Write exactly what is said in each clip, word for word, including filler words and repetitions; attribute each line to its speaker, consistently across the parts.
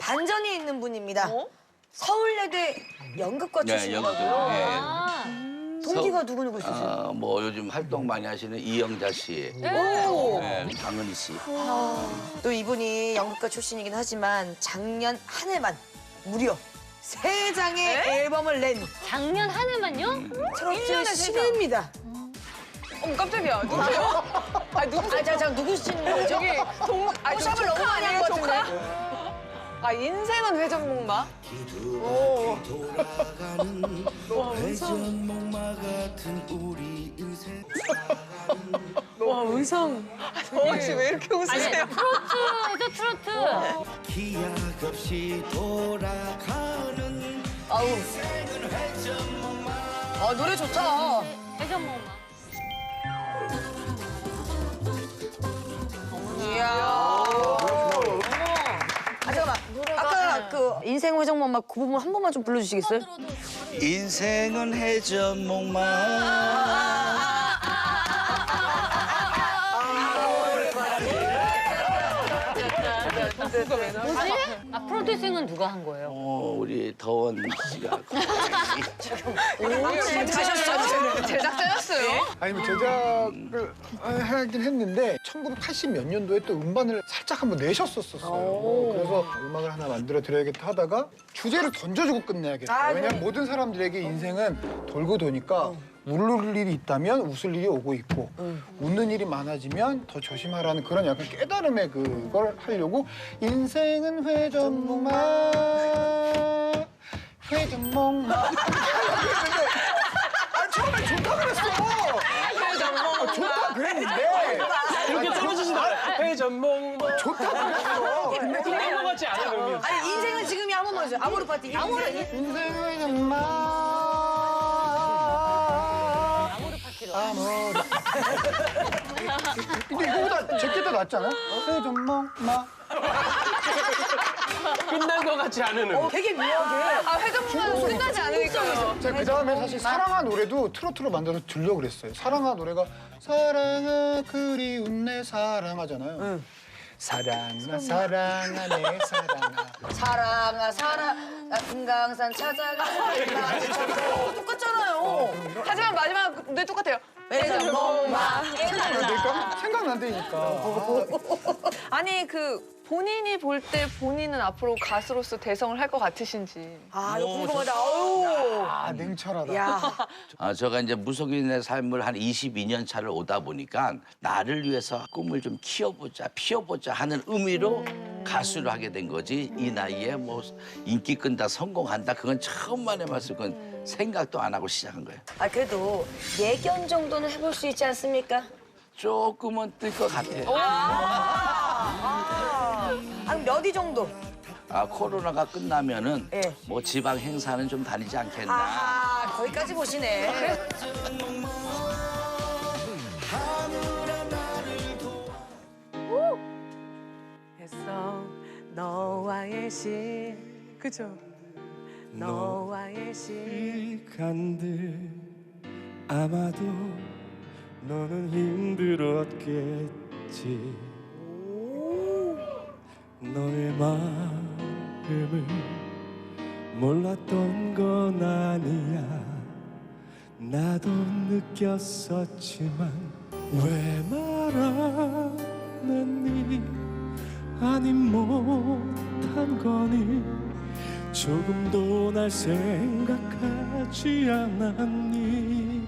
Speaker 1: 반전이 있는 분입니다.
Speaker 2: 어?
Speaker 1: 서울예대 연극과
Speaker 3: 네,
Speaker 1: 출신이거든요.
Speaker 3: 연극. 예.
Speaker 4: 아,
Speaker 1: 동기가 누구 누구 있으세요?
Speaker 3: 어, 뭐 요즘 활동 많이 하시는 이영자 씨,
Speaker 1: 오.
Speaker 3: 네, 강은희 씨.
Speaker 1: 또 이분이 연극가 출신이긴 하지만 작년 한 해만 무려 세 장의 앨범을 낸
Speaker 4: 작년 한 해만요?
Speaker 3: 음.
Speaker 1: 트로트 신인입니다.
Speaker 2: 어머 깜짝이야. 누구세요? 아 누구?
Speaker 1: 아, 자, 자, 누구신 거죠?
Speaker 2: 저기 동. 아
Speaker 1: 포샵을 너무 많이 한 것 같은데.
Speaker 2: 아 인생은 회전목마. 와 의상. 정원 씨왜 이렇게 웃으세요?
Speaker 4: 트로트에서 트로트.
Speaker 5: 기약 없이 돌아가는
Speaker 1: 아우. 아, 노래 좋다.
Speaker 4: 회전 먹마.
Speaker 1: 이야. 아, 잠깐만. 아까 그 인생 회전목마 그 부분 한 번만 좀 불러주시겠어요?
Speaker 3: 인생은 해전목마.
Speaker 4: 뭐지? 아, 프로듀싱은 누가 한 거예요?
Speaker 3: 어, 우리 더원 씨가.
Speaker 1: 가셨어요.
Speaker 2: 제작자였어요?
Speaker 6: 아니 뭐 제작을 하긴 했는데 천구백팔십 몇 년도에 또 음반을 살짝 한번 내셨었었어요. 그래서 음악을 하나 만들어 드려야겠다 하다가 주제를 던져주고 끝내야겠다.
Speaker 1: 아,
Speaker 6: 왜냐면
Speaker 1: 네.
Speaker 6: 모든 사람들에게 인생은 돌고 도니까 울을 일이 있다면 웃을 일이 오고 있고 웃는 일이 많아지면 더 조심하라는 그런 약간 깨달음의 그걸 하려고 인생은 회전목마 회전목마 아 처음에 좋다 그랬어. 아, 좋다 그랬는데
Speaker 7: 이렇게 떨어지신다. 회전목
Speaker 6: 좋다 그랬어. 근데
Speaker 7: 그런 거 같지 않아 그러면.
Speaker 1: 아니, 인생은 지금이 한 번만 해줘요. 아모르 파티. 아모르.
Speaker 6: 인생은 회전목마 아모르 근데 이거보다 제게 더 낫지 않아요? 회전목마
Speaker 7: 끝난 거 같지 않은 음.
Speaker 1: 되게 묘하게.
Speaker 2: 아 회전목마는 끝나지 않으니까요.
Speaker 6: 제가 그 다음에 사실 사랑아 노래도 트로트로 만들어서 들려고 그랬어요. 사랑아 노래가 사랑아 그리운 내 사랑하잖아요. 사랑아 사랑아 내 사랑아
Speaker 1: 사랑아, 사랑. 아, 금강산 찾아가. 똑같잖아요.
Speaker 2: 하지만 마지막 노래 똑같아요.
Speaker 1: 회전목마.
Speaker 6: 생각난다니까? 생각난다니까.
Speaker 2: 아니 그 본인이 볼 때 본인은 앞으로 가수로서 대성을 할 것 같으신지.
Speaker 1: 아, 이거 궁금하다. 아우.
Speaker 6: 아 냉철하다.
Speaker 1: 야.
Speaker 3: 아, 제가 이제 무속인의 삶을 한 이십이 년 차를 오다 보니까 나를 위해서 꿈을 좀 키워보자, 피워보자 하는 의미로 가수를 하게 된 거지. 이 나이에 뭐 인기 끈다, 성공한다, 그건 처음 만에 봤을 건 생각도 안 하고 시작한 거예요.
Speaker 1: 아, 그래도 예견 정도는 해볼 수 있지 않습니까?
Speaker 3: 조금은 뜰 것 같아요.
Speaker 1: 한 몇 위 정도?
Speaker 3: 아, 코로나가 끝나면은
Speaker 1: 예.
Speaker 3: 뭐 지방 행사는 좀 다니지 않겠나.
Speaker 1: 아하, 거기까지 보시네.
Speaker 8: 했어 너와의 시 그죠? 너와의 시
Speaker 5: 시간들 아마도 너는 힘들었겠지 너의 마음을 몰랐던 건 아니야 나도 느꼈었지만 왜 말하느니 아님 못한 거니 조금도 날 생각하지 않았니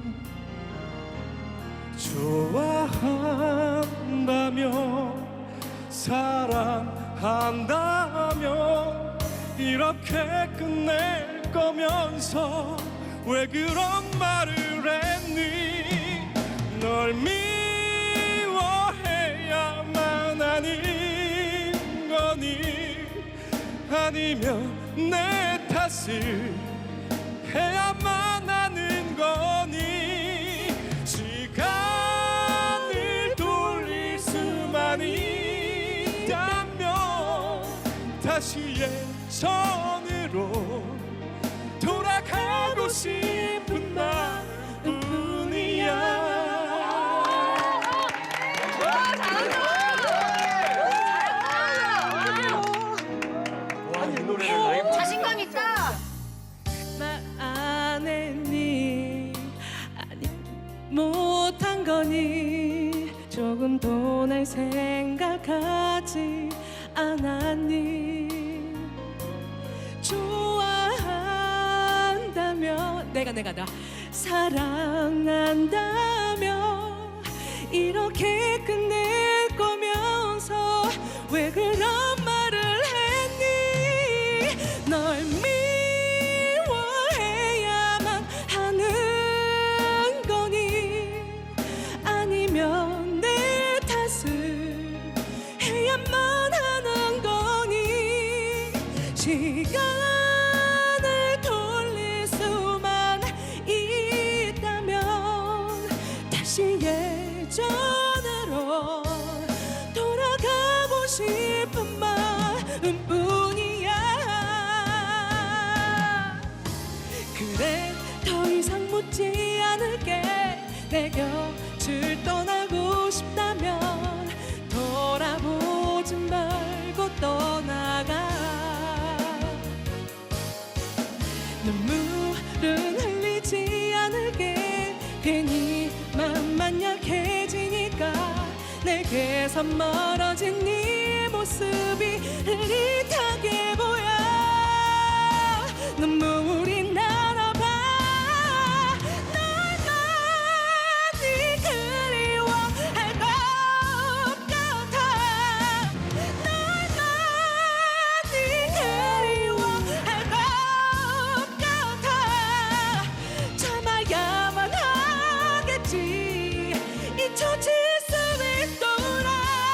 Speaker 5: 좋아한다며 사랑한다며 이렇게 끝낼 거면서 왜 그런 말을 했니 널 미워해야만 하는 거니 아니면 내 탓을 해야만 하는 거니 시간을 돌릴 수만 있다면 다시 예전으로 돌아가고 싶은 나뿐이야
Speaker 8: 못한 거니 조금도 날 생각하지 않았니 좋아한다면 내가 내가 나 사랑한다면 이렇게 끝낼 거면서 왜 그런 말을 했니 널 미워해야만 하는 거니 아니면 내 탓을 해야만 하는 거니 시간을 돌릴 수만 있다면 다시 예전으로 돌아가고 싶은 마음뿐이야 그래 더 이상 묻지 않을게 내 곁을 떠나고 싶다면 돌아보지 말고 떠나가 눈물은 흘리지 않을게 괜히 맘만 약해지니까 내게서 멀어진 네 모습이 흐릿하게 보여 눈물이 날아봐 널 많이 그리워할 것 같아 널 많이 그리워할 것 같아 참아야만 하겠지 잊혀질 수 있도록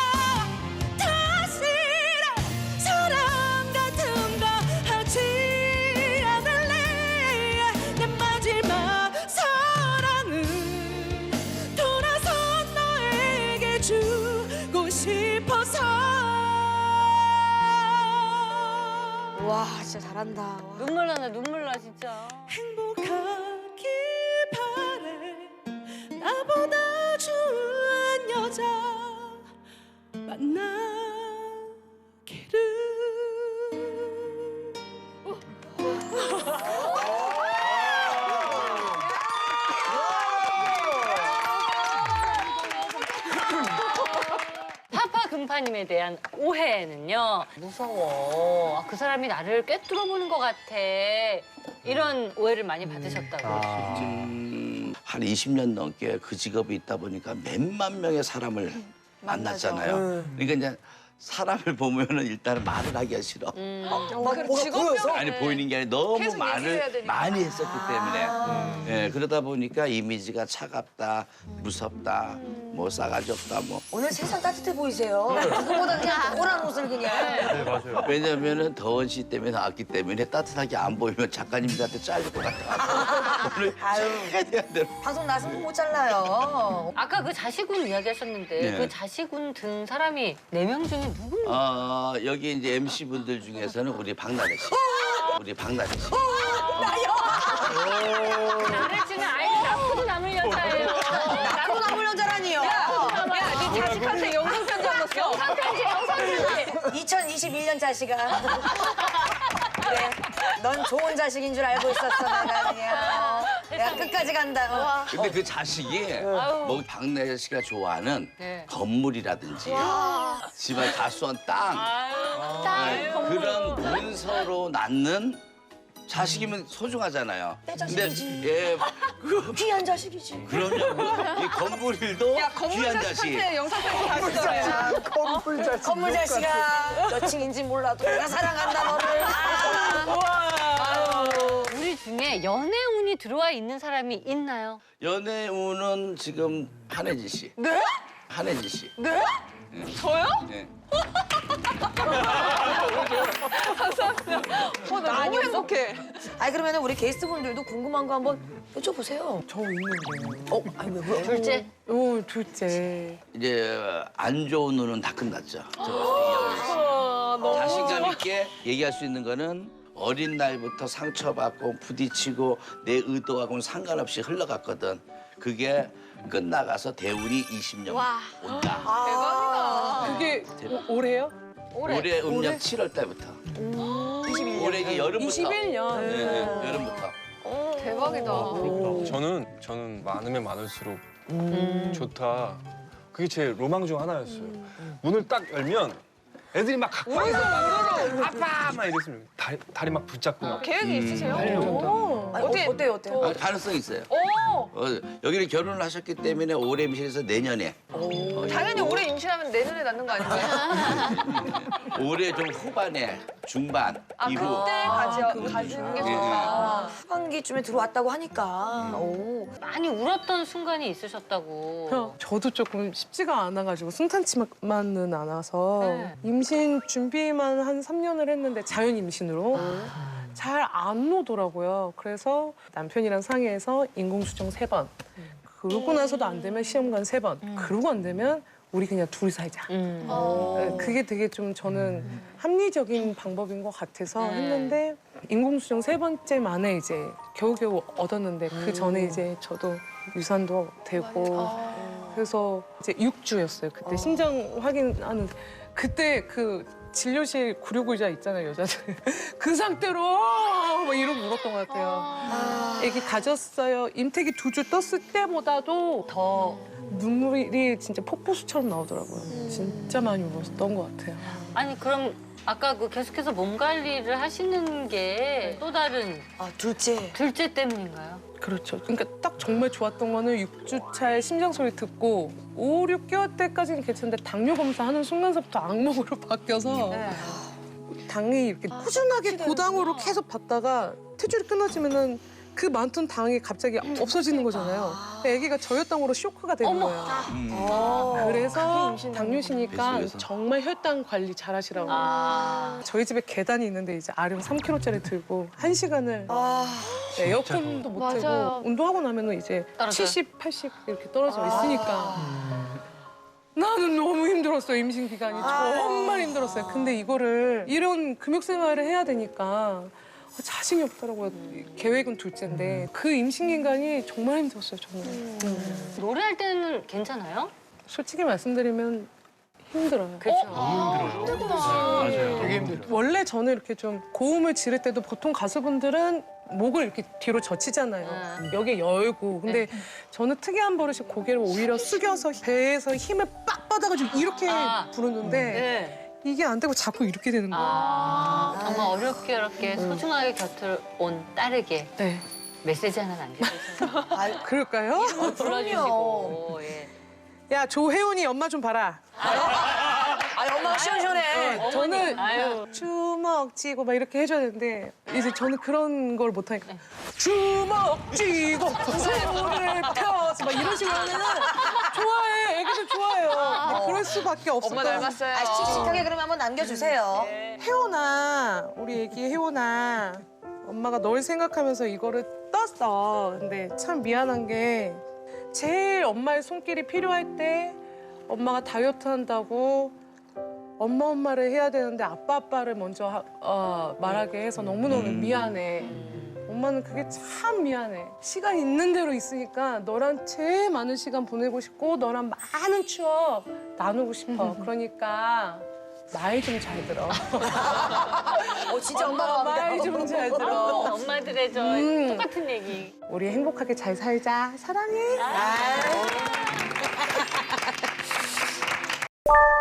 Speaker 8: 다시는 사랑 같은 거 하지 않을래 내 마지막 사랑은 돌아서 너에게 주고 싶어서
Speaker 1: 와 진짜 잘한다. 와.
Speaker 4: 눈물 나네 눈물 나 진짜.
Speaker 8: 행복하길 바래 나보다 좋은 여자 만나기를
Speaker 4: 파파 금파님에 대한 오해는요 무서워. 아, 그 사람이 나를 꿰뚫어 보는 것 같아. 이런 오해를 많이 받으셨다고.
Speaker 3: 음, 한 이십 년 넘게 그 직업이 있다 보니까 몇만 명의 사람을 만났잖아요. 그러니까 이제 사람을 보면은 일단은 말을 하기가 싫어.
Speaker 1: 막
Speaker 2: 직업병
Speaker 3: 아니 보이는 게 아니라 너무
Speaker 2: 계속 얘기를 해야
Speaker 3: 말을
Speaker 2: 되니까.
Speaker 3: 많이 했었기 때문에 예, 그러다 보니까 이미지가 차갑다, 무섭다, 뭐 싸가지 없다, 뭐
Speaker 1: 오늘 세상 따뜻해 보이세요. 누구보다 그냥 노란 옷을 그냥.
Speaker 3: 왜냐면은 더원 씨 때문에 나왔기 때문에 따뜻하게 안 보이면 작가님들한테 잘릴 것 같아. 오늘
Speaker 1: 아유.
Speaker 3: 최대한 대로.
Speaker 1: 방송 나서 못 잘라요.
Speaker 4: 아까 그 자시군 이야기하셨는데
Speaker 3: 네.
Speaker 4: 그 자시군 든 사람이 네 명 중에 누군가?
Speaker 3: 어, 여기 이제 엠씨 분들 중에서는 우리 박나래 씨, 우리 박나래 씨.
Speaker 4: 나를 치는 아이 낳고도 남을 여자예요.
Speaker 1: 나로 남을 여자라니요.
Speaker 2: 야, 네 자식한테 영상 편지 안 넣었어.
Speaker 4: 영상 편지 영상 편지.
Speaker 1: 이천이십일 년 자식아. 그래, 넌 좋은 자식인 줄 알고 있었어 내가 그냥. 내가 끝까지 간다.
Speaker 3: 근데 그 자식이 뭐 박나래 씨가 좋아하는
Speaker 4: 네.
Speaker 3: 건물이라든지 집안 가수원 땅 네, 그런 문서로 낳는 자식이면 소중하잖아요.
Speaker 1: 내 자식이지.
Speaker 3: 예, 그,
Speaker 1: 귀한 자식이지.
Speaker 3: 그럼요. 이 건물일도
Speaker 2: 야, 건물
Speaker 3: 귀한 자식.
Speaker 2: 자식한테 영상 편지 다시 써요.
Speaker 6: 건물 자식.
Speaker 1: 건물 자식아. 몇 층인지 몰라도 내가 사랑한다 너를.
Speaker 4: 우리 중에 연애운이 들어와 있는 사람이 있나요?
Speaker 3: 연애운은 지금 한혜진 씨.
Speaker 2: 네?
Speaker 3: 한혜진 씨.
Speaker 2: 네? 저요?
Speaker 3: 네.
Speaker 2: 어, 나 너무 행복해.
Speaker 1: 아니 그러면 우리 게스트분들도 궁금한 거 한번 여쭤보세요.
Speaker 8: 저 있는데
Speaker 1: 어, 아니 왜 왜?
Speaker 4: 둘째?
Speaker 8: 오 둘째
Speaker 3: 이제 안 좋은 눈은 다 끝났죠. 저 자신감 있게 얘기할 수 있는 거는 어린 날부터 상처받고 부딪히고 내 의도하고는 상관없이 흘러갔거든. 그게 끝나가서 대운이 이십 년 온다.
Speaker 2: 대박이다.
Speaker 8: 그게 올해요?
Speaker 4: 올해.
Speaker 3: 올해 음력 칠월 달부터.
Speaker 1: 이십일 년.
Speaker 3: 올해 이게 여름부터.
Speaker 8: 이십일 년
Speaker 3: 네, 네, 여름부터.
Speaker 2: 대박이다.
Speaker 5: 저는 저는 많으면 많을수록
Speaker 4: 음.
Speaker 5: 좋다. 그게 제 로망 중 하나였어요. 문을 딱 열면 애들이 막 각방에서 아빠 막 이랬으면 다리, 다리 막 붙잡고 막.
Speaker 2: 계획이 있으세요?
Speaker 6: 오.
Speaker 1: 아니, 어때, 어때요, 어때요?
Speaker 3: 아, 가능성 있어요.
Speaker 2: 오!
Speaker 3: 어, 여기는 결혼을 하셨기 때문에 올해 임신해서 내년에
Speaker 2: 당연히 올해 임신하면 내년에 낳는 거 아닌가요?
Speaker 3: 올해 좀 후반에 중반
Speaker 2: 아,
Speaker 3: 이후
Speaker 2: 그때 가지, 가지는 게
Speaker 3: 예,
Speaker 2: 좋다.
Speaker 1: 후반기쯤에 들어왔다고 하니까. 오.
Speaker 4: 많이 울었던 순간이 있으셨다고.
Speaker 8: 저도 조금 쉽지가 않아가지고 순탄치만은 않아서
Speaker 4: 네.
Speaker 8: 임신 준비만 한 삼 년을 했는데 자연 임신으로 잘 안 오더라고요. 그래서 남편이랑 상의해서 인공수정 세 번. 그러고 나서도 안 되면 시험관 세 번. 그러고 안 되면 우리 그냥 둘이 살자.
Speaker 4: 음.
Speaker 8: 네, 그게 되게 좀 저는 합리적인 방법인 것 같아서
Speaker 4: 네.
Speaker 8: 했는데 인공수정 세 번째 만에 이제 겨우겨우 얻었는데 그 전에 이제 저도 유산도 되고 그래서 이제 육 주였어요. 그때 심장 확인하는 그때 그 진료실 구류의자 있잖아요, 여자들. 그 상태로 막 이러고 울었던 것 같아요. 애기 가졌어요. 임태기 두 주 떴을 때보다도 더 눈물이 진짜 폭포수처럼 나오더라고요. 진짜 많이 울었던 것 같아요.
Speaker 4: 아니 그럼 아까 그 계속해서 몸 관리를 하시는 게 또 다른
Speaker 1: 아, 둘째.
Speaker 4: 둘째 때문인가요?
Speaker 8: 그렇죠. 그러니까 딱 정말 좋았던 거는 육 주 차에 심장 소리 듣고 오, 육 개월 때까지는 괜찮은데 당뇨 검사하는 순간서부터 악몽으로 바뀌어서 당이 이렇게 꾸준하게 고당으로 계속 받다가 퇴출이 끊어지면은 그 많던 당이 갑자기 없어지는 거잖아요. 아기가 저혈당으로 쇼크가 되는 거예요.
Speaker 1: 어.
Speaker 8: 그래서 당뇨시니까
Speaker 3: 그래서.
Speaker 8: 정말 혈당 관리 잘하시라고.
Speaker 4: 아.
Speaker 8: 저희 집에 계단이 있는데 이제 아령 삼 킬로그램짜리 들고 한 시간을
Speaker 1: 아,
Speaker 8: 네, 에어컨도 못
Speaker 2: 맞아요.
Speaker 8: 틀고 운동하고 나면은 이제
Speaker 4: 떨어져요?
Speaker 8: 칠십, 팔십 이렇게 떨어져 있으니까 나는 너무 힘들었어요. 임신 기간이 정말 힘들었어요. 근데 이거를 이런 금욕 생활을 해야 되니까 자신이 없더라고요. 계획은 둘째인데 그 임신 기간이 정말 힘들었어요. 정말. 음.
Speaker 4: 노래할 때는 괜찮아요?
Speaker 8: 솔직히 말씀드리면 힘들어요.
Speaker 4: 그렇죠.
Speaker 6: 되게 힘들어.
Speaker 8: 원래 저는 이렇게 좀 고음을 지를 때도 보통 가수분들은 목을 이렇게 뒤로 젖히잖아요.
Speaker 4: 음.
Speaker 8: 여기 열고. 근데 저는 특이한 버릇이 고개를 오히려 숙여서 배에서 힘을 빡 받아가지고 이렇게
Speaker 4: 아.
Speaker 8: 부르는데
Speaker 4: 네.
Speaker 8: 이게 안 되고 자꾸 이렇게 되는 거예요.
Speaker 4: 아, 정말 어렵게 어렵게 소중하게 곁을 온 딸에게
Speaker 8: 네.
Speaker 4: 메시지 하나 남겨주세요.
Speaker 1: 아,
Speaker 8: 그럴까요?
Speaker 4: 불러주시고. 예.
Speaker 8: 야, 조혜원이 엄마 좀 봐라.
Speaker 1: 아니, 엄마가 시원시원해.
Speaker 8: 저는
Speaker 4: 아유.
Speaker 8: 주먹 쥐고 막 이렇게 해줘야 되는데 이제 저는 그런 걸 못하니까 주먹 쥐고 손을 펴서 막 이런 식으로 하면은 좋아해. 애기들 좋아해요. 근데 그럴 수밖에 없을
Speaker 2: 엄마
Speaker 8: 거야.
Speaker 2: 닮았어요.
Speaker 1: 아, 씩씩하게 그러면 한번 남겨주세요.
Speaker 8: 혜원아, 우리 애기 혜원아. 엄마가 널 생각하면서 이거를 떴어. 근데 참 미안한 게 제일 엄마의 손길이 필요할 때 엄마가 다이어트 한다고 엄마 엄마를 해야 되는데 아빠 아빠를 먼저 하- 어, 말하게 해서 너무너무 미안해. 엄마는 그게 참 미안해. 시간 있는 대로 있으니까 너랑 제일 많은 시간 보내고 싶고 너랑 많은 추억 나누고 싶어. 그러니까 말 좀 잘 들어.
Speaker 1: 어, 진짜 엄마가
Speaker 8: 말 좀 잘 들어.
Speaker 4: 엄마들의 저
Speaker 8: 음.
Speaker 4: 똑같은 얘기.
Speaker 8: 우리 행복하게 잘 살자. 사랑해.
Speaker 1: 아.